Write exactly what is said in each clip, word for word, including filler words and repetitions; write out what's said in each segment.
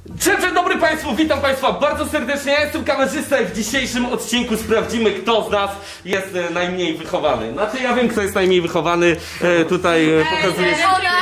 Dzień dobry Państwu, witam Państwa bardzo serdecznie, ja jestem kamerzysta i w dzisiejszym odcinku sprawdzimy, kto z nas jest e, najmniej wychowany. Znaczy ja wiem, kto jest najmniej wychowany, e, tutaj e, pokazuję...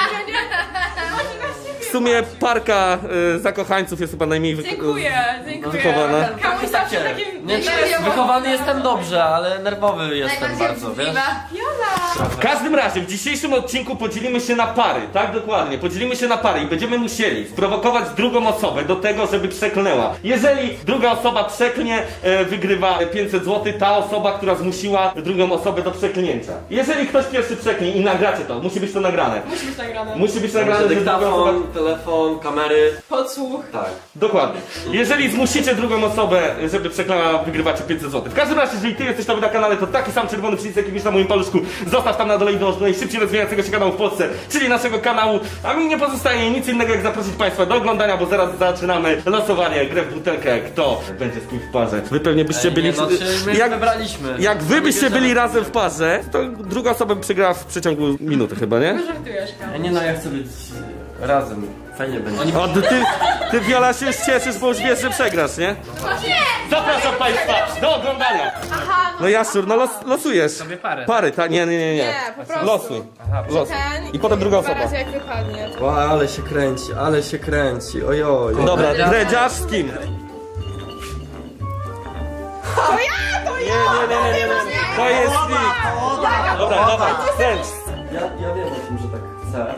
W sumie parka e, zakochańców jest chyba najmniej wy... Dziękuję, dziękuję. wychowana. Kamuś zawsze takim... Nie, wychowany jestem dobrze, ale nerwowy jestem bardzo, wiesz? W każdym razie w dzisiejszym odcinku podzielimy się na pary, tak dokładnie, podzielimy się na pary i będziemy musieli sprowokować drugą osobę do tego, żeby przeklnęła. Jeżeli druga osoba przeklnie, e, wygrywa pięćset złotych, ta osoba, która zmusiła drugą osobę do przeklnięcia. Jeżeli ktoś pierwszy przeknie i nagracie to, musi być to nagrane. Musi być nagrane. Musi być nagrane, że druga osoba... Dyktafon, telefon, kamery. Podsłuch. Tak. Dokładnie. Jeżeli zmusicie drugą osobę, żeby przeklęła, wygrywacie pięćset złotych. W każdym razie, jeżeli ty jesteś nowy na kanale, to taki sam czerwony przycisk, jaki widzisz na moim paluszku, zostaw tam na dole i dąż do najszybciej rozwijającego się kanału w Polsce, czyli naszego kanału. A mi nie pozostaje nic innego, jak zaprosić Państwa do oglądania, bo zaraz zaczynamy losowanie, grę w butelkę, kto będzie z kim w parze. Wy pewnie byście byli... Nie, no, czy my jak, wybraliśmy. jak wy byście byli razem w parze, to druga osoba by przegrała w przeciągu minuty chyba, nie? Żartujesz, Kamuś. Nie no, ja chcę być razem. Fajnie będzie. O, ty, ty Wiola się cieszysz, bo już wiesz, że przegrasz, nie? Zapraszam Państwa do oglądania! No Jaszczur, no los, losujesz. Sobie parę. Pary, tak? Nie, nie, nie, nie. Nie, po prostu. Losuj. Losuj. Ten I potem druga dwa osoba. razy jak wypadnie. O, ale się kręci, ale się kręci, ojoj. Dobra, dredziarz z kim? To ja, to Nie, ja! nie, nie, nie, nie, nie. To jest nikt. Dobra, dawaj, kręć. Ja, ja wiem o tym, że tak chcę.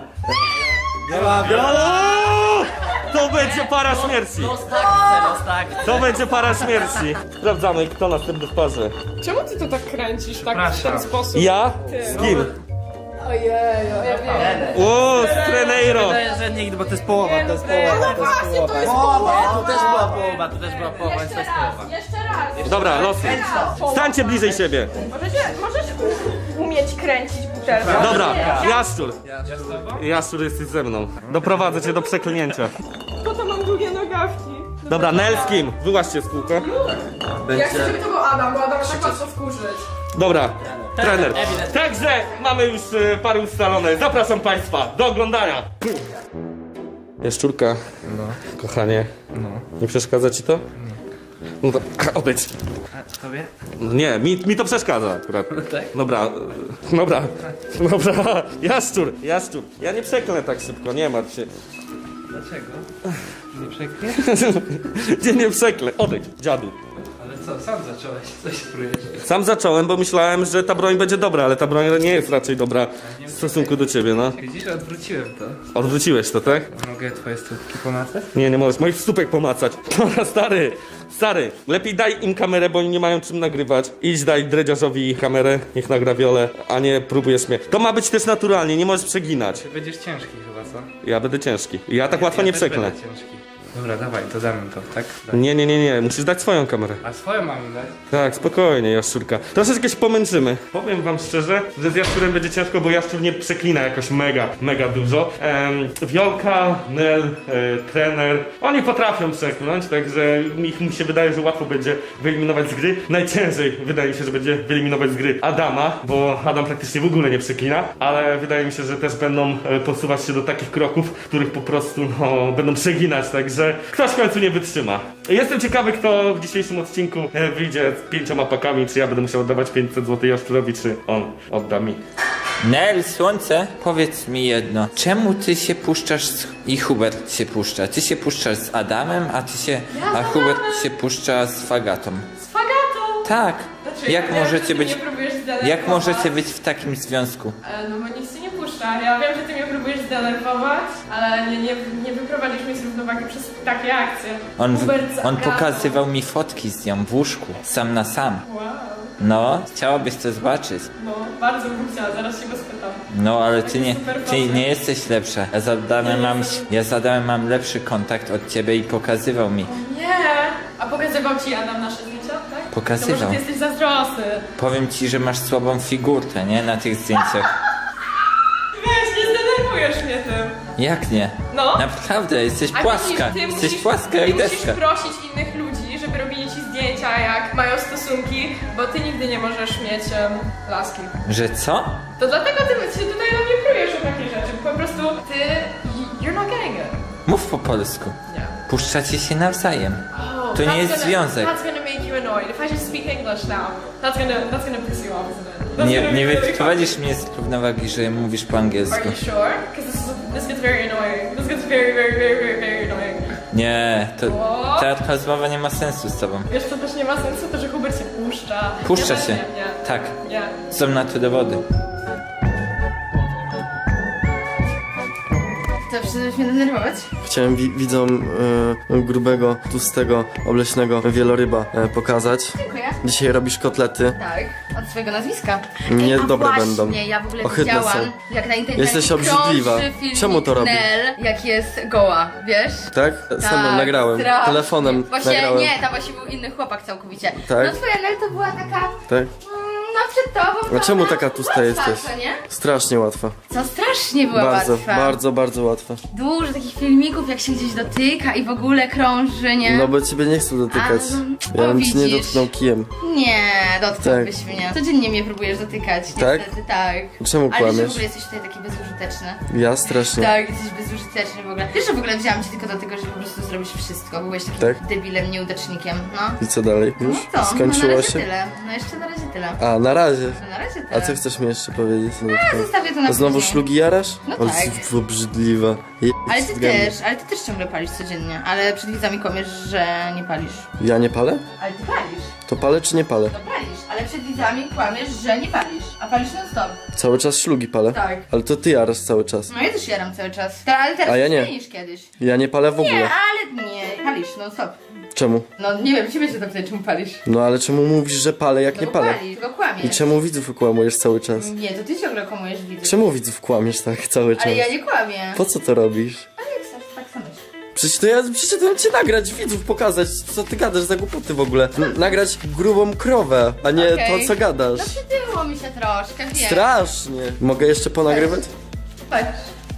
Wiola! To będzie para śmierci. Los tak chcę, los tak chcę. To będzie para śmierci. Sprawdzamy, kto następny w parze. Czemu ty to tak kręcisz, tak w Przepraszam. ten sposób? Ja? Z kim? Ojej, ja wiem. O, z Treneiro. Wydaje, że nikt, bo to jest połowa, to jest No połowa. właśnie, to jest Połowa, połowa. tu też była połowa, tu też była połowa, więc to jest połowa. Jeszcze raz. Dobra, losuj. Stańcie bliżej siebie. Możecie, możesz u- umieć kręcić butelkę? Dobra, Jaszczur. Ja z tobą? Jaszczur, jesteś ze mną. Doprowadzę cię do przeklinięcia. Po to mam długie nogawki. Dobra, Nel z kim? Wyłaźcie z kółka. Ja chcę, Będzie... żeby to był Adam, bo Adam tak łatwo wkurzyć. Dobra, trener. Także mamy już y, pary ustalone. Zapraszam Państwa do oglądania. Jaszczurka, No, kochanie, no. nie przeszkadza ci to? No to odejdź. A tobie? No nie, mi, mi to przeszkadza akurat. Tak? Dobra, y, dobra, dobra. Jaszczur, Jaszczur. Ja nie przeklnę tak szybko, nie martw się. Dlaczego? Nie przekniesz? Nie, nie przeklę. Odejdź, dziadu. Ale co, sam zacząłeś, coś próbujesz. Sam zacząłem, bo myślałem, że ta broń będzie dobra, ale ta broń nie jest raczej dobra w stosunku do ciebie, no. Widzisz, odwróciłem to. Odwróciłeś to, tak? Mogę twoje stópki pomacać? Nie, nie możesz moich stópek pomacać. Dobra, stary, stary, lepiej daj im kamerę, bo oni nie mają czym nagrywać. Idź daj dredziarzowi kamerę, niech nagra Wiolę, a nie próbujesz mnie. To ma być też naturalnie, nie możesz przeginać. Ty będziesz ciężki chyba, co? Ja będę ciężki. Ja tak łatwo ja nie też przeklnę. będę ciężki. Dobra, dawaj, to damy to, tak? Daj. Nie, nie, nie, nie, musisz dać swoją kamerę. A swoją mamy dać? Tak, spokojnie, Jaszczurka. Troszeczkę się pomęczymy. Powiem wam szczerze, że z Jaszczurem będzie ciężko, bo Jaszczur nie przeklina jakoś mega, mega dużo. Ehm, Wiolka, Nel, e, trener, oni potrafią przeklnąć, także mi, mi się wydaje, że łatwo będzie wyeliminować z gry. Najciężej wydaje mi się, że będzie wyeliminować z gry Adama, bo Adam praktycznie w ogóle nie przeklina, ale wydaje mi się, że też będą e, posuwać się do takich kroków, których po prostu no, będą przeginać, także ktoś w końcu nie wytrzyma. Jestem ciekawy, kto w dzisiejszym odcinku e, wyjdzie z pięcioma pakami, czy ja będę musiał oddawać pięćset złotych Jaszczurowi, czy on odda mi. Nel, słońce, powiedz mi jedno. Czemu ty się puszczasz z... i Hubert się puszcza? Ty się puszczasz z Adamem, a ty się... a Hubert się puszcza z Fagatą. Z fagatą! Tak. Znaczy, Jak ja wiem, że możecie ty być... mnie próbujesz zdenerwować. Jak możecie być w takim związku? E, No bo nic się nie puszcza. Ja wiem, że ty mnie próbujesz zdenerwować, ale nie, nie, nie wyprowadzisz mnie z równowagi przez takie akcje. On, Hubert z on Agatą. pokazywał mi fotki z nią w łóżku, sam na sam. Wow. No, chciałabyś to zobaczyć. No, bardzo bym chciała, zaraz się go spytam. No, ale ty nie, super ty facet. nie jesteś lepsza. Ja z Adamem mam, ja z Adamem mam lepszy kontakt od ciebie i pokazywał mi. Nie! A pokazywał ci Adam nasze zdjęcia, tak? Pokazywał. To może ty jesteś zazdrosny. Powiem ci, że masz słabą figurkę, nie? Na tych zdjęciach. Weź, nie zdenerwujesz mnie tym. Jak nie? No. Naprawdę, jesteś A płaska. widzisz, ty Jesteś musisz, płaska ty jak musisz deska. prosić innych ludzi, żeby robili ci zdjęcia, jak mają stosunki, bo ty nigdy nie możesz mieć um, laski. Że co? To dlatego ty się tutaj na mnie prujesz o takie rzeczy. Po prostu ty... you're not getting it. Mów po polsku. Nie. Puszczacie się nawzajem. To nie That's jest gonna- związek. That's gonna make you annoyed. If I just speak English now, that's gonna that's gonna piss you off, isn't it? That's Nie, gonna nie be really wyprowadzisz mnie z równowagi, że mówisz po Are angielsku. you sure? Because this, is- this gets very annoying. This gets very, very, very, very, very annoying. Nie, to O. ta rozmowa nie ma sensu z tobą. Wiesz co też nie ma sensu? To, że Hubert się puszcza. Puszcza ja się. Nie, nie. Tak, Nie. są na to dowody. To przyszedłeś mnie denerwować? Chciałem wi widzom e, grubego, tłustego, obleśnego wieloryba e, pokazać. Dziękuję. Dzisiaj robisz kotlety. Tak, od swojego nazwiska. Nie Ej, a dobre właśnie, będą. ja w ogóle Ohydne widziałam, są. jak na internecie Jesteś obrzydliwa. krąży filmik Czemu to robi? Nel, jak jest goła, wiesz? Tak? Ze mną nagrałem. strasznie. Telefonem Właśnie nagrałem. nie, tam właśnie był inny chłopak całkowicie. Tak? No twoja Nel to była taka, Tak? mm, no przed tobą. A czemu ona taka tłusta łatwa, jesteś? co nie? Strasznie łatwa. Co strasznie była Bardzo, łatwa. bardzo, bardzo łatwa. Dużo takich filmików, jak się gdzieś dotyka i w ogóle krąży, nie? No bo ciebie nie chcę dotykać. A, Ja o, bym ci nie widzisz. dotknął kijem. Nie, dotknąłbyś Tak. mnie. Codziennie mnie próbujesz dotykać, Tak? niestety, tak. Czemu Ale że w kłamiesz? ogóle jesteś tutaj taki bezużyteczny. Ja strasznie. Tak, jesteś bezużyteczny w ogóle. Wiesz, że w ogóle wzięłam cię tylko do tego, żeby po prostu zrobić wszystko. Byłeś takim Tak? debilem, nieudacznikiem, no. I co dalej? Już? No to, no na Skończyło razie się? tyle. No jeszcze na razie tyle. A, na razie. No na razie tyle. A co chcesz mi jeszcze powiedzieć? No, A, zostawię to na Znowu później. szlugi jarasz? No Ale tak. jesteś obrzydliwa. Je- Ale ty zgadnij. też, ale ty też ciągle palisz codziennie. Ale przed widzami kłamiesz, że nie palisz. Ja nie palę? Ale ty palisz. To palę czy nie palę? No palisz, ale przed widzami kłamiesz, że nie palisz. A palisz non stop. Cały czas szlugi palę? Tak. Ale to ty jarasz cały czas. No ja też jaram cały czas. Ta, ale teraz A ja nie. mniej niż kiedyś. Ja nie palę w Nie, ogóle. ale nie, palisz non stop. Czemu? No nie wiem, ciebie się zapytaj, czemu palisz. No ale czemu mówisz, że palę, jak No nie bo palę? palisz, tylko kłamiesz. I czemu widzów okłamujesz cały czas? Nie, to ty ciągle kłamujesz widzów. Czemu widzów kłamiesz tak cały czas? Ale ja nie kłamię. Po co to robisz? Ale jak chcesz, tak samo myśl. Przecież to ja przyszedłem cię nagrać, widzów pokazać, co ty gadasz za głupoty w ogóle. N- nagrać grubą krowę, a nie Okej. to, co gadasz. No przytyło mi się troszkę, wiem. Strasznie. Mogę jeszcze ponagrywać? Patrz.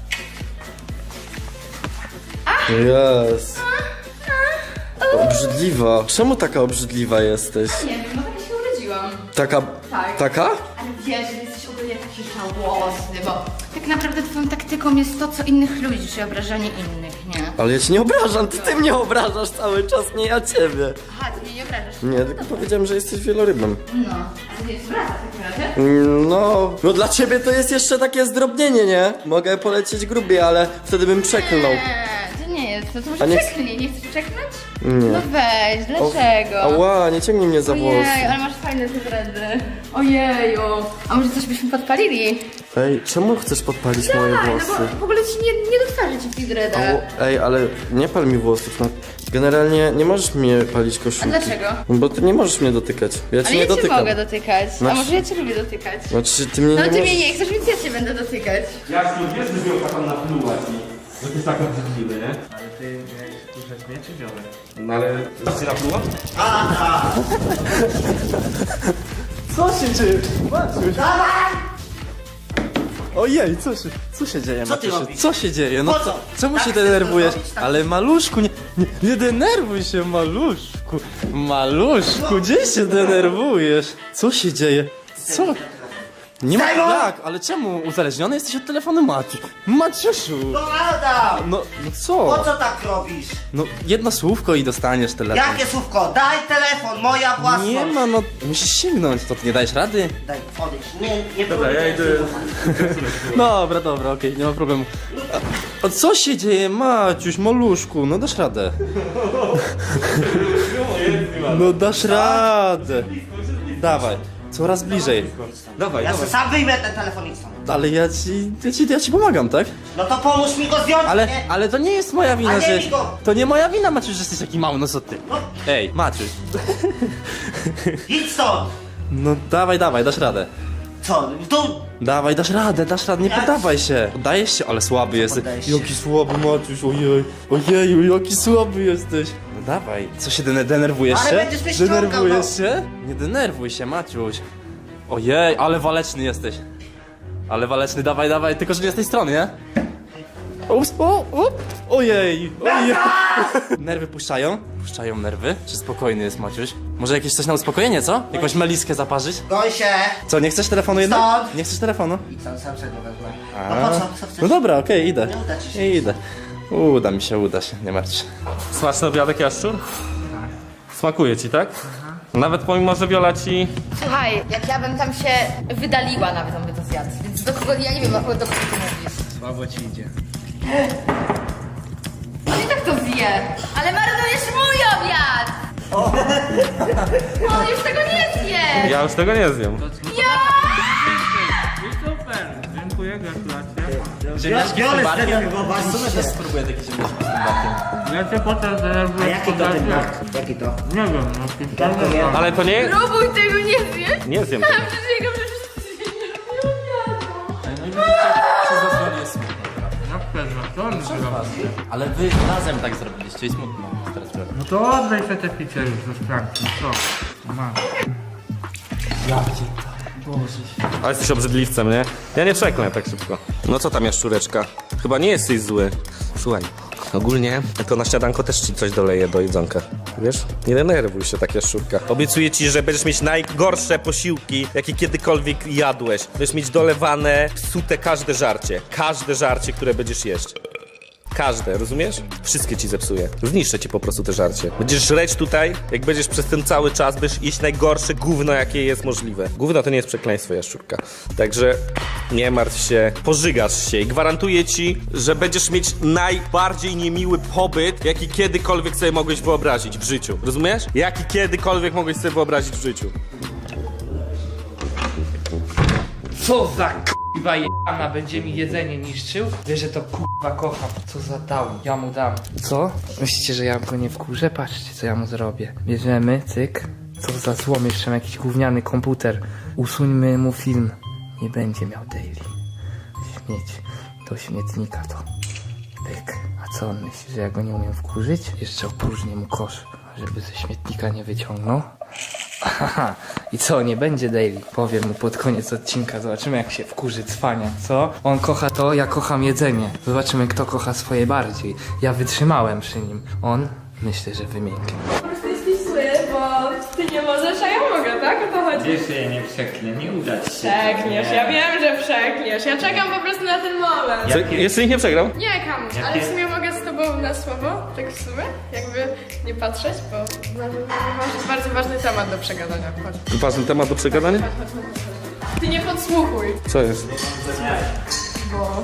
Jest. Obrzydliwa. Czemu taka obrzydliwa jesteś? Nie wiem, no tak się urodziłam. Taka... Tak. Taka? Ale wiesz, że jesteś ogólnie taki żałosny, bo tak naprawdę twoją taktyką jest to, co innych ludzi, czyli obrażanie innych, nie? Ale ja cię nie obrażam, ty, ty mnie obrażasz cały czas, nie ja ciebie. Aha, ty mnie nie obrażasz. Nie, tylko powiedziałem, że jesteś wielorybem. No, ale nie jest wraca w takim razie. Mm, No, no dla ciebie to jest jeszcze takie zdrobnienie, nie? Mogę polecieć grubiej, ale wtedy bym przeklnął. Nie, to nie jest, to, to A może nie- przeklnij, nie chcesz przeklnąć? Nie. No weź, dlaczego? Ała, nie ciągnij mnie za Ojej, włosy. ale masz fajne te dredy. Ojeju. A może coś byśmy podpalili? Ej, czemu chcesz podpalić moje Tak, no włosy? bo w ogóle ci nie, nie do twarzy ci w tych dredach. Au, ej, ale nie pal mi włosów, no. Generalnie nie możesz mnie palić A koszulki. dlaczego? Bo ty nie możesz mnie dotykać. Ja cię Ale nie ja cię dotykam. mogę dotykać. A Znaczy- może ja cię lubię dotykać? Znaczy, ty mnie No nie ty możesz... mnie nie chcesz, więc ja cię będę dotykać. Jasno, wiesz, że Wiolka tam napluła ci. Że ty jest tak obrzydliwy, nie? Ale ty miałeś puszczać mnie czy wiolę? No ale... Coś ci napluła? Co się dzieje? Maciuś! Ojej, co się, co się dzieje, Co ty Maciusiu? robisz? Co się dzieje? No Po co? co? Czemu Tak się chcesz denerwujesz? to zrobić, tak? Ale maluszku, nie, nie, nie denerwuj się, maluszku. Maluszku, gdzie się denerwujesz? Co się dzieje? Co? Nie ma Serio? jak, ale czemu uzależniony jesteś od telefonu Maciuś? Maciusiu! No Adam! No, no Po co? co tak robisz? No jedno słówko i dostaniesz telefon. Jakie słówko? Daj telefon, moja własność! Nie ma, no musisz sięgnąć, to ty nie dajesz rady? Daj, odejdź. Nie, nie Dobra, ja idę... Dobra, dobra, okej, nie ma problemu. A, a co się dzieje, Maciuś, maluszku? No dasz radę. No dasz radę. Dawaj, coraz bliżej. Dawaj, Ja dawaj. sobie sam wyjmę ten telefon i stąd. Ale ja ci, ja ci, ja ci pomagam, tak? No to pomóż mi go zdjąć, Ale, nie? ale to nie jest moja wina, A nie że... mi go. To nie moja wina, Maciuś, że jesteś taki mały, no co ty? No, Ej, Maciuś. idź stąd! No dawaj, dawaj, dasz radę. Co? Tu? Dawaj, dasz radę, dasz radę, nie Ja- poddawaj się. Poddajesz się, ale słaby jesteś. poddaję się. Jaki słaby, Maciuś, ojej. Ojeju, jaki słaby jesteś. No dawaj. Co się dene- denerwujesz Ale się? będziesz mnie ściągał, Denerwujesz no. się? Nie denerwuj się, Maciuś. Ojej, ale waleczny jesteś. Ale waleczny, dawaj, dawaj, tylko że nie z tej strony, nie? Ups, o, o, ojej, ojej. Nerwy puszczają? Puszczają nerwy? Czy spokojny jest Maciuś? Może jakieś coś na uspokojenie, co? Jakąś meliskę zaparzyć? Goń się! Co, nie chcesz telefonu jednak? Stąd. Nie chcesz telefonu? I co, sam sobie go wezmę. A. No po co? Co chcesz? No dobra, okej, idę. Nie uda ci się. Idę. Uda mi się, uda się, nie martw się. Smaczny obiadek, Jaszczur? Smakuje ci, tak? Nawet pomimo, że Wiola ci... Słuchaj, jak ja bym tam się wydaliła, nawet on by to zjadł. Więc do kogo, ja nie wiem, do kogo ty mówisz. Słabo ci idzie. On i tak to zje, ale marnujesz mój obiad! On już tego nie zje! Ja już tego nie zjem. Super, dziękuję, gratulacje. Biorę z tego chyba Ja też spróbuję taki ziemniaczki z tym barkiem. Ja cię potem A zdenerwuję. jaki to ten brak? Jaki to? Nie wiem, no Jabłko nie? Ale to nie... Próbuj tego nie zjeść! Nie zjem tego. Przysięgam, że wszyscy się nie obiadą. No i widzicie, przez zasłonię jest smutno. jak pewno, to on zrobił. Ale wy razem tak zrobiliście i smutno teraz robię. No to oddaj sobie te picie już ze szklanki, co? Masz. Ale jesteś obrzydliwcem, nie? Ja nie przeklnę tak szybko. No co tam, Jaszczureczka? Chyba nie jesteś zły. Słuchaj, ogólnie to na śniadanko też ci coś doleję do jedzonka. Wiesz? Nie denerwuj się tak, Jaszczurka. Obiecuję ci, że będziesz mieć najgorsze posiłki, jakie kiedykolwiek jadłeś. Będziesz mieć dolewane, psute każde żarcie. Każde żarcie, które będziesz jeść. Każde, rozumiesz? Wszystkie ci zepsuję. Zniszczę ci po prostu te żarcie. Będziesz żreć tutaj, jak będziesz przez ten cały czas, będziesz jeść najgorsze gówno, jakie jest możliwe. Gówno to nie jest przekleństwo, Jaszczurka. Także nie martw się, pożygasz się i gwarantuję ci, że będziesz mieć najbardziej niemiły pobyt, jaki kiedykolwiek sobie mogłeś wyobrazić w życiu. Rozumiesz? Jaki kiedykolwiek mogłeś sobie wyobrazić w życiu. Co za k***wa jebana będzie mi jedzenie niszczył? Wiesz, że to k***wa kocham. Co za dał? Ja mu dam. Co? Myślicie, że ja go nie wkurzę? Patrzcie, co ja mu zrobię. Bierzemy, cyk. Co za złom, jeszcze mam jakiś gówniany komputer. Usuńmy mu film. Nie będzie miał daily. Śmieć. Do śmietnika to. Pyk. A co on myśli, że ja go nie umiem wkurzyć? Jeszcze opróżnię mu kosz, żeby ze śmietnika nie wyciągnął. Aha, i co, nie będzie daily? Powiem mu pod koniec odcinka, zobaczymy jak się wkurzy cwania, co? On kocha to, ja kocham jedzenie. Zobaczymy kto kocha swoje bardziej. Ja wytrzymałem przy nim. On, myślę, że wymięknie. Po prostu jesteś zły, bo ty nie możesz, a ja mogę, tak? O to chodzi. Wiesz, że ja nie przeklnę, nie uda ci się. Przekniesz, ja wiem, że przekniesz. Ja czekam po prostu na ten moment. Co, jeszcze nikt nie przegrał? Nie, Kamuś, ale w sumie mogę z tobą na słowo, tak w sumie, jakby nie patrzeć, bo na- masz bardzo ważny temat do przegadania. Chodź. Ważny temat do przegadania? Ty nie podsłuchuj, Co jest? bo...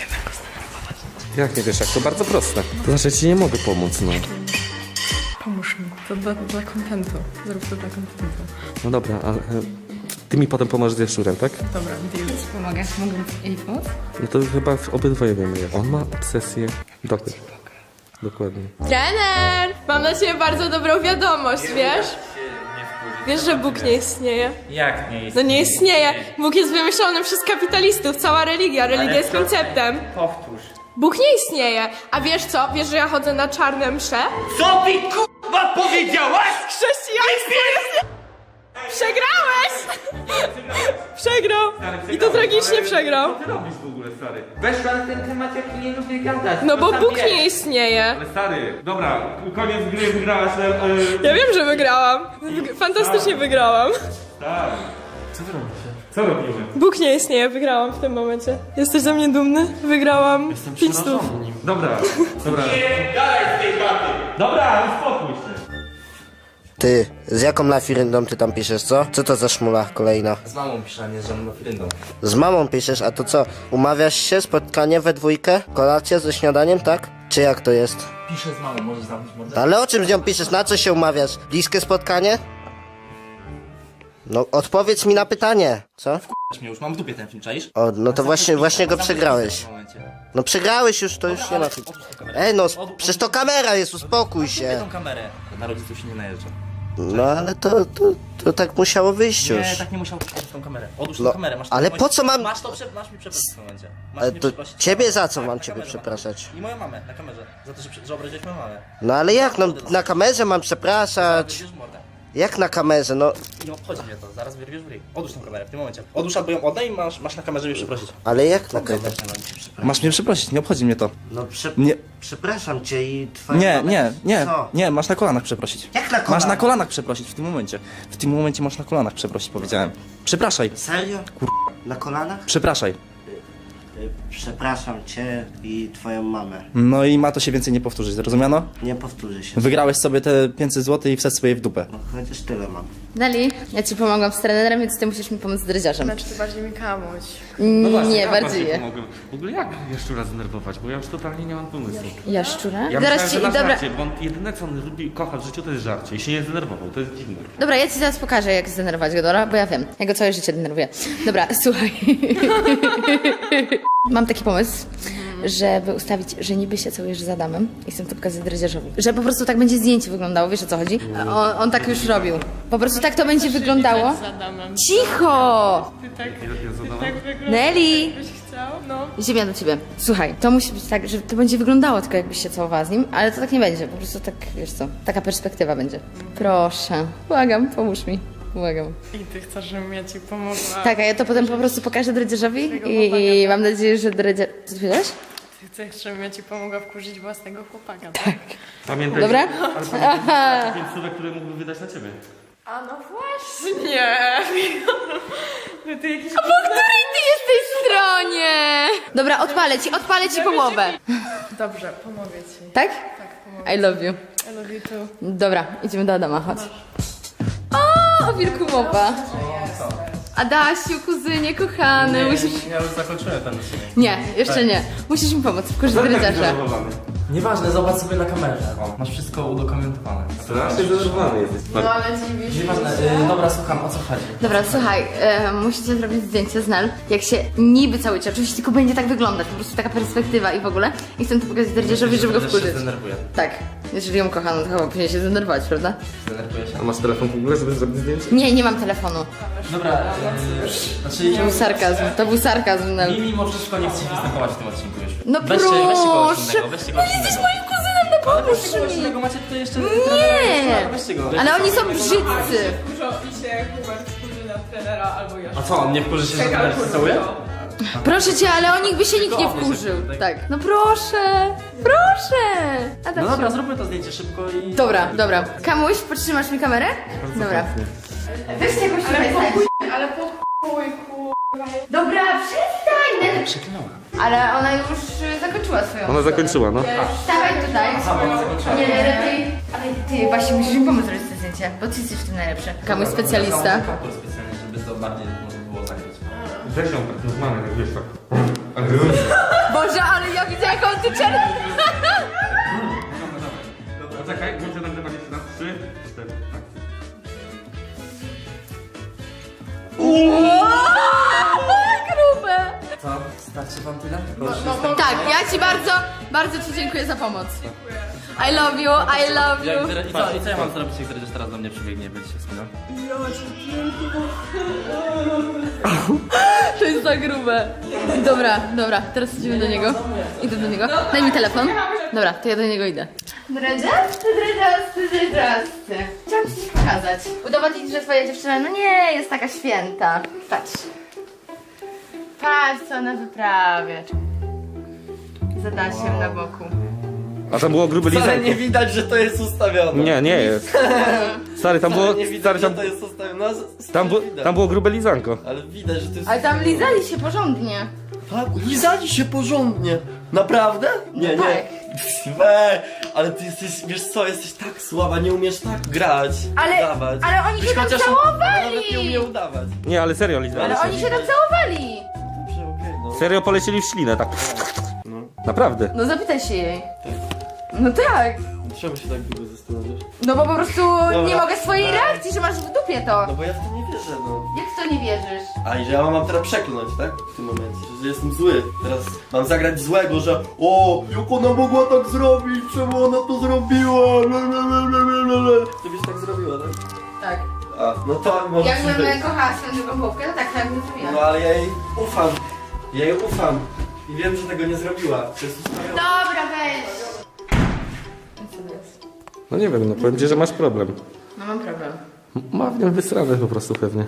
Jak nie wiesz, jak to bardzo proste. To znaczy, ci nie mogę pomóc, no. Pomóż mi, to dla, dla kontentu. Zrób to dla kontentu. No dobra, ale e, ty mi potem pomożesz z Jaszczurem, tak? Dobra, deal. Pomogę, mogę jej pomóc? No to chyba w- obydwoje wiemy. On ma obsesję. Doktor. Dokładnie. Trener! Mam na ciebie bardzo dobrą wiadomość, wiesz? Wiesz, że Bóg nie istnieje? Jak nie jest? No nie istnieje. Bóg jest wymyślony przez kapitalistów, cała religia. Religia jest konceptem. Powtórz. Bóg nie istnieje. A wiesz co? Wiesz, że ja chodzę na czarne msze? Co mi k***a powiedziałaś? Chrześcijaństwo jest... Przegrałeś! Przegrał. I to tragicznie przegrał. Co ty robisz w ogóle, stary? Weszła na ten temat, jaki nie lubię gadać. No bo To Bóg zabierz. nie istnieje. Ale stary, dobra, koniec gry, wygrałaś, ale... ale... Ja wiem, że wygrałam. Wyg- Fantastycznie wygrałam. Tak. Co robimy? Bóg nie istnieje, wygrałam w tym momencie. Jesteś ze mnie dumny? Wygrałam pięć stów. Dobra, dobra. Nie, dalej z tej chaty! Dobra, uspokój się. Ty, z jaką lafiryndą ty tam piszesz, co? Co to za szmula kolejna? Z mamą piszę, a nie z żadną firyndą. Z mamą piszesz, a to co? Umawiasz się, spotkanie we dwójkę? Kolacja ze śniadaniem, tak? Czy jak to jest? Piszę z mamą, możesz zamknąć mordę? Ale o czym z nią piszesz? Na co się umawiasz? Bliskie spotkanie? No, odpowiedz mi na pytanie, co? Weź mnie już, mam w dupie ten film, czaisz? O, no to właśnie, właśnie go przegrałeś. W tym momencie. No przegrałeś już, to już nie ma... Otóż tą kamerę. Ej no, przecież to kamera jest, uspokój Kupię się. tą kamerę. Na rodziców się nie najeżdża. No ale to, to, to tak musiało wyjść Nie, już. tak nie musiał. Odłóż tą kamerę. Odłóż No, tą kamerę. Masz ale to- po co mam- Masz to, prze... masz mi przeprosić w tym momencie. Masz Ale mnie to przeprosić. ciebie za co Tak, mam na ciebie kamerze przepraszać? I moją mamę na kamerze. Za to, że, prze- że obraziłeś moją mamę. No ale jak, no na kamerze mam przepraszać? Wyrwiesz mordę. Jak na kamerze, no... Nie obchodzi mnie to, zaraz wyrwiesz w ryj. Odłóż tą kamerę w tym momencie. Odłóż albo ją oddaj i masz, masz na kamerze mnie przeprosić. Ale jak na kamerze? Masz mnie przeprosić, nie obchodzi mnie to. No prze... Nie. przepraszam cię i twoja Nie, mama- nie, nie, Co? nie, masz na kolanach przeprosić. Jak na Masz kolanach? na kolanach przeprosić w tym momencie. W tym momencie masz na kolanach przeprosić, powiedziałem. Przepraszaj, Serio? Na kolanach? przepraszaj. Przepraszam cię i twoją mamę. No i ma to się więcej nie powtórzyć, zrozumiano? Nie powtórzy się. Wygrałeś sobie te pięćset złotych i wsadź sobie w dupę. No, chociaż tyle mam. Neli, ja ci pomogłam z trenerem, więc ty musisz mi pomóc z dredziarzem. Znaczy to bardziej mi kamuś. Nie, ja bardziej je. pomogłem. W ogóle jak jeszcze raz zdenerwować, bo ja już totalnie nie mam pomysłu. Jaszczura? Ja Zaraz myślałem, ci, że na dobra, żarcie, bo on jedyne co on lubi, kocha w życiu to jest żarcie i się nie zdenerwował, to jest dziwne. dobra, ja ci zaraz pokażę, jak zdenerwować go, dobra? Bo ja wiem, ja go całe życie denerwuję. Dobra, słuchaj. Mam taki pomysł, żeby ustawić, że niby się całujesz z Adamem i chcę to pokazać dredziarzowi. Że po prostu tak będzie zdjęcie wyglądało, wiesz o co chodzi? On, on tak już robił. Po prostu tak to będzie wyglądało. Cicho! Ty tak, ty tak wyglądasz, Nelly! jakbyś chciał. No. Ziemia do ciebie. Słuchaj, to musi być tak, że to będzie wyglądało tylko jakbyś się całowała z nim, ale to tak nie będzie. Po prostu tak, wiesz co, taka perspektywa będzie. Proszę. Błagam, pomóż mi. Błagam. I ty chcesz, żebym ja ci pomogła. Tak, a ja to potem po prostu pokażę dredziarzowi i, i mam nadzieję, że dredziarz... Co ty powiedziałeś? Ty chcesz, żebym ja ci pomogła wkurzyć własnego chłopaka. Tak. Pamiętaj, Dobra? że- ale pamiętaj, że pięć słówek, które mógłby wydać na ciebie. A no właśnie. No ty jakiś... Po której ty jesteś stronie? Dobra, odpalę ci, odpalę ci połowę. Dobrze, pomogę ci. Tak? Tak, pomogę. I love you. I love you too. Dobra, idziemy do Adama, chodź. O, o wilku mowa. Adasiu, kuzynie, kochany, musisz... Ja już zakończyłem ten odcinek. Nie, jeszcze nie. Musisz mi pomóc, wkurzyć dredziarza. Zdenerwowany. Nieważne, zobacz sobie na kamerze. O, masz wszystko udokumentowane. Strasznie zdenerwowany jesteś. No ale dziwisz się. Nieważne, y, dobra, słucham, o co chodzi? Dobra, słuchaj, e, musicie zrobić zdjęcie z Nel, jak się niby całujecie. Oczywiście tylko będzie tak wyglądać, po prostu taka perspektywa i w ogóle. I chcę to pokazać dredziarzowi, żeby go Też wkurzyć. się zdenerwuję. Tak, jeżeli ją kocha, no to chyba powinien się zdenerwować, prawda? Zdenerwuję się. A masz telefon w ogóle, żeby zrobić zdjęcie? Nie, nie mam telefonu. Dobra, y, znaczy To był sarkazm, to był sarkazm, Nel. mi mimo wszystko nie chcę występować w tym odcinku już. No weźcie, weźcie kogoś proszę! innego, weźcie kogoś No jesteś innego. moim kuzynem, no pomóż Kogoś mi! innego, macie tutaj jeszcze... Nie! Weźcie go. Ale oni są brzydcy! Dużo i się Hubert wkurzy na trenera albo ja. A co, on nie wkurzy się, że trener się całuje? Proszę cię, ale o nich by się nikt nie wkurzył. Tak. No proszę, proszę! Adam, No dobra, zróbmy to zdjęcie szybko i... Dobra, dobra. Kamuś, podtrzymasz mi kamerę? Dobra. Weźcie jakoś tutaj chuj, ale po chuj, kurwa. Dobra, przestań! Przeklinała. Ale ona już y, zakończyła swoją Ona historię. zakończyła, no. Stawaj tutaj. Nie, nie, lepiej. Ale ty właśnie musisz mi pomóc zrobić to zdjęcie, bo ty jesteś w tym najlepszy. Kamuś specjalista. Kaptur specjalny, żeby to bardziej można było zagrać. Weź ją tak normalnie, tak wiesz tak. Boże, ale ja widzę jaką ty czerwę. Poczekaj, włączę nagrywanie jeszcze raz. Trzy, cztery, tak. Grube. Co? Starczy wam tyle? Tak, ja ci bardzo, bardzo ci dziękuję za pomoc. I love you, I love Jak, you. i, co, I co ja mam zrobić, jak Dredziarz teraz do mnie przybiegnie i będzie się wspinał? To jest za grube. Dobra, dobra, teraz idziemy do niego. Idę do niego. Daj mi telefon. Dobra, to ja do niego idę. Dredziasty, dredziasty, dredziasty. Chciałam ci coś pokazać. Udowodnić, że twoja dziewczyna, no nie, jest taka święta. Patrz. Patrz, co ona wyprawia. Z Adasiem na boku. A tam było grube Wcale lizanko. nie widać, że to jest ustawione. Nie, nie jest. Stary, tam było, Wcale nie widać, stary, że tam, to jest ustawione. No, z- tam, było, widać. tam było grube lizanko. Ale widać, że to jest... Ale tam lizali się porządnie. Tak, lizali się porządnie. Naprawdę? Nie, No nie. tak. Weź, ale ty jesteś, wiesz co, jesteś tak słaba, nie umiesz tak grać, Ale- udawać. ale oni Byś się tam chociaż- całowali. Nawet nie umie udawać. Nie, ale serio lizali Ale się. oni się tam całowali. Dobrze, okej, no. Serio polecieli w ślinę, tak. Naprawdę. No zapytaj się jej. No tak. Czemu się tak długo zastanawiasz? No bo po prostu nie mogę swojej reakcji, że masz w dupie to. No bo ja w to nie wierzę, no. Jak w to nie wierzysz? A i że ja mam teraz przeklnąć, tak? W tym momencie, że jestem zły. Teraz mam zagrać złego, że o, jak ona mogła tak zrobić, czemu ona to zrobiła, lalalala. Ty byś tak zrobiła, tak? Tak. A, no to może Jakbym być. kochała swoją drugą połówkę, to tak, tak bym zrobiła. No ale ja jej ufam. Ja jej ufam. I wiem, że tego nie zrobiła. To jest ustawione. Dobra, weź. No nie wiem, no powiem ci, że masz problem. No mam problem. Ma w nim wysrane po prostu pewnie.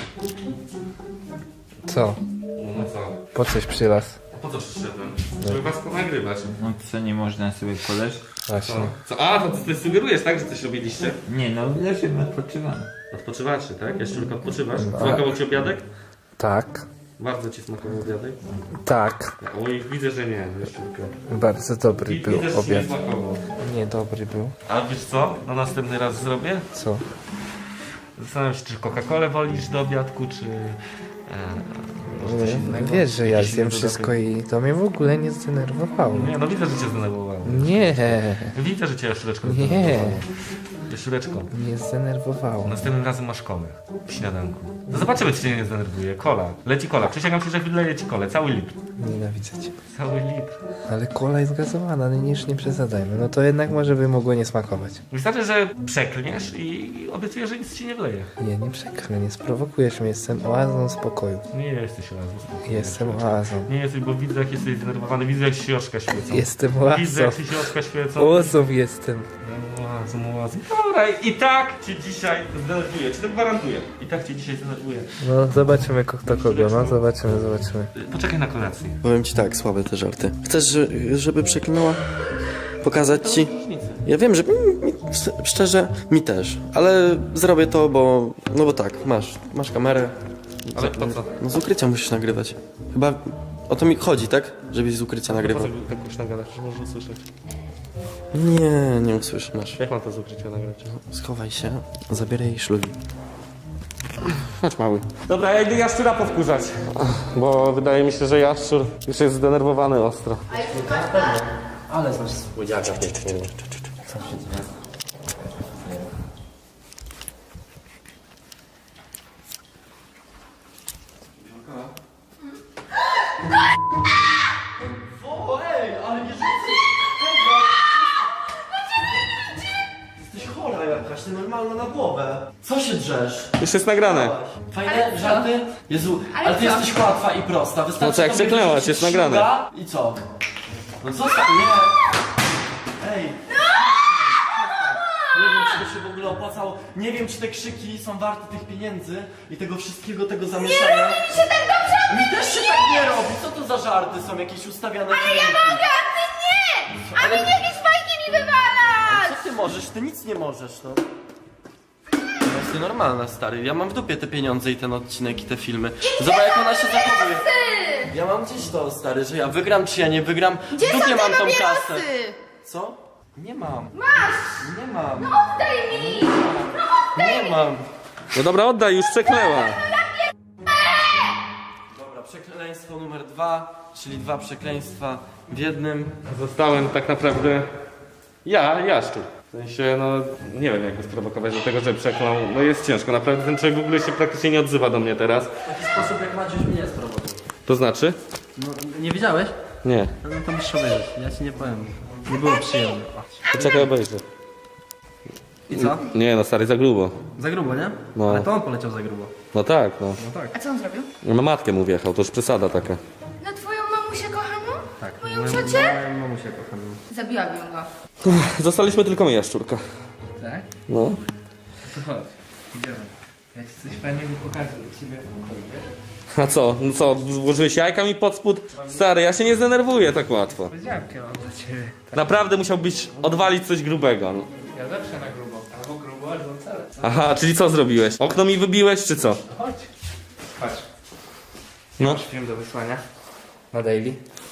Co? No co? Po coś przylas? Po co przyszedłem? Żeby was ponagrywać. No co, nie można sobie koleż? Właśnie. Co? A, to ty sugerujesz, tak, że coś robiliście? Nie no, leżymy, odpoczywamy. Odpoczywacie, tak? Jeszcze tylko odpoczywasz? Smakował ci obiadek? Tak. Bardzo ci smakował obiadek? Tak, Oj, widzę, że nie, Jaszczurka. bardzo dobry Wi- był Widzę, że ci nie obiad. smakował. Nie, dobry był. A wiesz co? Na następny raz zrobię? Co? Zastanawiam się, czy Coca-Colę wolisz do obiadku, czy... E, może coś innego? Wiesz, że ja Jakiś zjem inny wszystko dodatek? i to mnie w ogóle nie zdenerwowało. Nie, no widzę, że cię zdenerwowało. Nie, Widzę, że cię Jaszczureczko Nie. zdenerwowało. Jaszczureczko, nie zdenerwowało. następnym razem masz kolę w śniadanku. No zobaczymy, czy cię nie zdenerwuje. Kola. Leci kola. Przysięgam ci, że wyleję ci kolę. Cały litr. Nienawidzę cię. Cały litr. Ale kola jest gazowana, no już nie przesadzajmy. No to jednak może by mogło nie smakować. Wystarczy, że przeklniesz i obiecuję, że nic ci nie wleje. Nie, nie przekrę, nie sprowokujesz mnie, jestem oazą spokoju. Nie jesteś razem. Jestem oazą. Nie jesteś, bo widzę, jak jesteś zdenerwowany. Widzę, jak się oczka świecą. Jestem Widzę, jak oazą. ci się oczka świecą. Oazą jestem. Oazą, oazą. Dobra, i tak cię dzisiaj zdenerwuję. Ci to gwarantuję. I tak cię dzisiaj zdenerwuję. No zobaczymy kto kogo, no zobaczymy, zobaczymy. Poczekaj na kolację. Powiem ci tak, słabe te żarty. Chcesz, że- żeby przeklinała? Pokazać ci? Ja wiem, że mi, mi, szczerze, mi też. Ale zrobię to, bo... No bo tak, masz, masz kamerę. Ale po co? No z ukrycia musisz nagrywać. Chyba o to mi chodzi, tak? Żebyś z ukrycia Po nagrywał. co tak już nagadasz? Może usłyszeć. Nie, nie usłyszysz, masz. Jak mam to z ukrycia nagrać? Schowaj się, zabieraj jej szlugi. Chodź mały. Dobra, ja idę jaszczura powkurzać. Bo wydaje mi się, że jaszczur już jest zdenerwowany ostro. Ale znasz słodziaka pięknego. O, ej, ale nie Jesteś chora jakaś, ty normalna na głowę. Co się drzesz? Już jest nagrane. Fajne żarty? Jezu, ale, Ale ty co? jesteś łatwa i prosta. Wystarczy No co, jak tobie przeklęłaś, wyrzucić jest nagrane. szluga I co? No co sta- Nie! Ej! Nie wiem, czy to się w ogóle opłacało. Nie wiem, czy te krzyki są warte tych pieniędzy i tego wszystkiego, tego zamieszania. Nie robi mi się tak dobrze! Mi też się tak nie robi! Co to za żarty są? Jakieś ustawiane Ale ja mogę, a ty nie! A mi jakieś fajki mi wywalasz! Co ty możesz? Ty nic nie możesz, no. Jesteś normalna, stary. Ja mam w dupie te pieniądze i ten odcinek i te filmy. Zobacz, jak ona się zachowuje. Ja mam gdzieś to, stary, że ja wygram, czy ja nie wygram. Gdzie w dupie mam tą kasę. Co? Nie mam. Masz! Nie mam. No oddaj mi! No nie mam. No dobra, oddaj, już przeklęła. Dobra, przekleństwo numer dwa, czyli dwa przekleństwa w jednym. Zostałem tak naprawdę ja, jaszczur. W sensie, no nie wiem jak go sprowokować do tego, żeby przeklął. No jest ciężko, naprawdę ten człowiek w ogóle się praktycznie nie odzywa do mnie teraz. W taki sposób jak Maciuś mnie sprowodził. To znaczy? No, nie widziałeś? Nie. No to musisz obejrzeć, ja ci nie powiem. Nie było przyjemne. Poczekaj, obejrzę. I co? Nie no, stary, za grubo. Za grubo, nie? No. Ale to on poleciał za grubo. No tak, no. A co on zrobił? Na matkę mu wjechał, to już przesada taka. Na twoją mamusię kochaną? Tak. Moją ciocię? Moją mamusię kocham. Zabiłabym go. Zostaliśmy tylko my, jaszczurka. Tak? No. To chodź, idziemy. Ja ci coś fajnego pokażę dla ciebie. A co? No co, włożyłeś jajka mi pod spód? Stary, ja się nie zdenerwuję tak łatwo. Powiedziałkę mam dla ciebie. Naprawdę musiałbyś odwalić coś grubego. No. Ja zawsze na grubo. Albo grubo, albo wcale. Co? Aha, czyli co zrobiłeś? Okno mi wybiłeś, czy co? Chodź. Patrz. No. Masz film do wysłania. Na daily?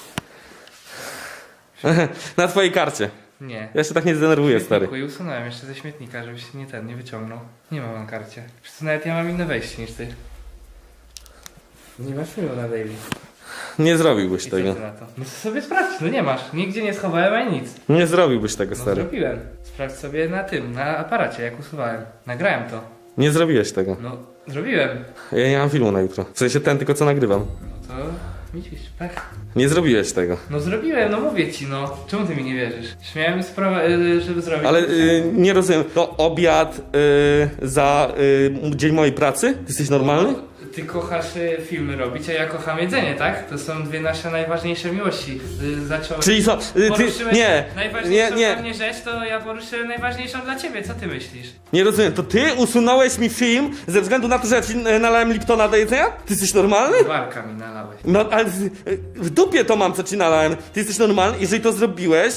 Na twojej karcie. Nie. Ja się tak nie zdenerwuję, stary. I usunąłem jeszcze ze śmietnika, żebyś się nie ten, nie wyciągnął. Nie mam na karcie. Przecież nawet ja mam inne wejście niż ty. Nie masz filmu na daily. Nie zrobiłbyś I co tego. ty na to? No to sobie sprawdź, no nie masz. Nigdzie nie schowałem ani nic. Nie zrobiłbyś tego, No stary. zrobiłem. Sprawdź sobie na tym, na aparacie, jak usuwałem. Nagrałem to. Nie zrobiłeś tego. No, zrobiłem. Ja nie mam filmu na jutro. W sensie ten tylko co nagrywam. No to widzisz, tak? Nie zrobiłeś tego. No zrobiłem, no mówię ci, no. Czemu ty mi nie wierzysz? Śmiałem sprawę, y, żeby zrobić. Ale y, nie rozumiem. To obiad y, za y, dzień mojej pracy? Ty jesteś normalny? Ty kochasz y, filmy robić, a ja kocham jedzenie, tak? To są dwie nasze najważniejsze miłości. Y, zacząłeś... Czyli co? Y, ty, Poruszyłeś nie, najważniejszą nie, dla mnie rzecz, to ja poruszyłem najważniejszą dla ciebie. Co ty myślisz? nie rozumiem. To ty usunąłeś mi film ze względu na to, że ja ci y, nalałem Liptona do jedzenia? Ty jesteś normalny? Walka mi nalałeś. No ale z- y, w dupie to mam, co ci nalałem. Ty jesteś normalny? Jeżeli to zrobiłeś...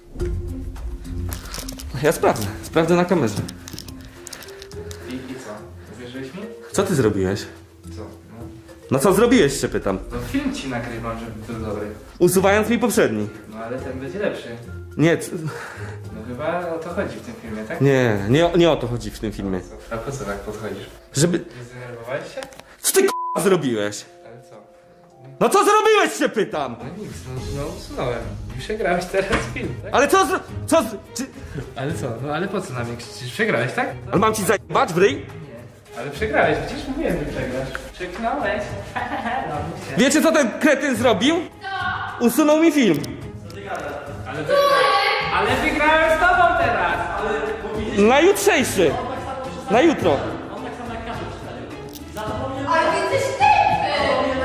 Ja sprawdzę. Sprawdzę na kamerze. I, i co? Co ty zrobiłeś? Co? No, No co zrobiłeś, się pytam. no film ci nagrywam, żeby był dobry. Usuwając mi poprzedni. No ale ten będzie lepszy. Nie, c- No chyba o to chodzi w tym filmie, tak? nie, nie, nie o to chodzi w tym filmie. Co? A po co tak podchodzisz? Żeby... Nie zdenerwowałeś się? Co ty k***a zrobiłeś? Ale co? No co zrobiłeś, się pytam? No nic, no, no usunąłem. I przegrałeś teraz film, tak? Ale co zro... Co z... Czy... Ale co? No ale po co na mnie krzyczysz? Przegrałeś, tak? Ale mam ci zajebać w ryj? Ale przegrałeś, przecież mówiłem, że przegrasz. Przegnąłeś. No, mówcie. Wiecie co ten kretyn zrobił? Usunął mi film. Ale, ale wygrałem z tobą teraz! Na jutrzejszy. Na jutro. Ale ty jesteś tępy!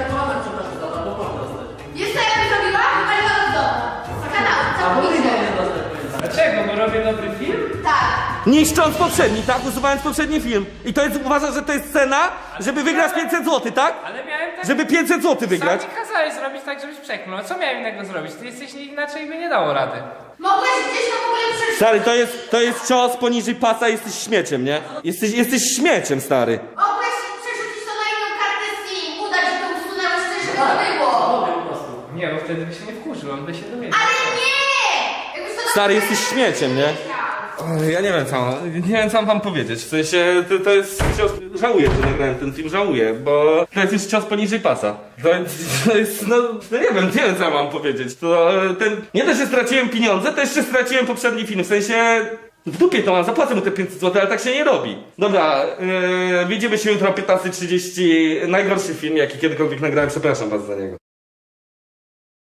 Wiesz co ja bym zrobiła? Wywaliłam z domu. Z kanału, całkowicie. Dlaczego? Bo robię dobry film? Tak. Niszcząc poprzedni, tak? Usuwając poprzedni film. I to jest, uważasz, że to jest cena, żeby wygrać pięćset złotych, tak? Ale miałem tak... Żeby pięćset złotych wygrać. Sam mi kazałeś zrobić tak, żebyś przeklnął. Co miałem innego zrobić? Ty jesteś inaczej by nie dało rady. Mogłeś gdzieś to w ogóle przeżyć. Stary, to jest, to jest cios poniżej pasa, jesteś śmieciem, nie? Jesteś, jesteś śmieciem, stary. Mogłeś przerzucić to na inną kartę SIM. Udać, że to usunęłeś, coś, żeby to było. Nie, bo wtedy by się nie wkurzył, on by się dowiedział. Ale nie! Jakbyś to Stary, na- jesteś śmieciem, nie? Ja nie wiem co, nie wiem co mam wam powiedzieć, w sensie to, to jest cios, żałuję, że nagrałem ten film, żałuję, bo to jest już cios poniżej pasa. To, to jest, no, no nie wiem, nie wiem co mam powiedzieć, to ten, nie dość, że straciłem pieniądze, to jeszcze straciłem poprzedni film, w sensie w dupie to mam, zapłacę mu te pięćset złotych, ale tak się nie robi. Dobra, yy, widzimy się jutro o piętnasta trzydzieści, najgorszy film jaki kiedykolwiek nagrałem, przepraszam was za niego.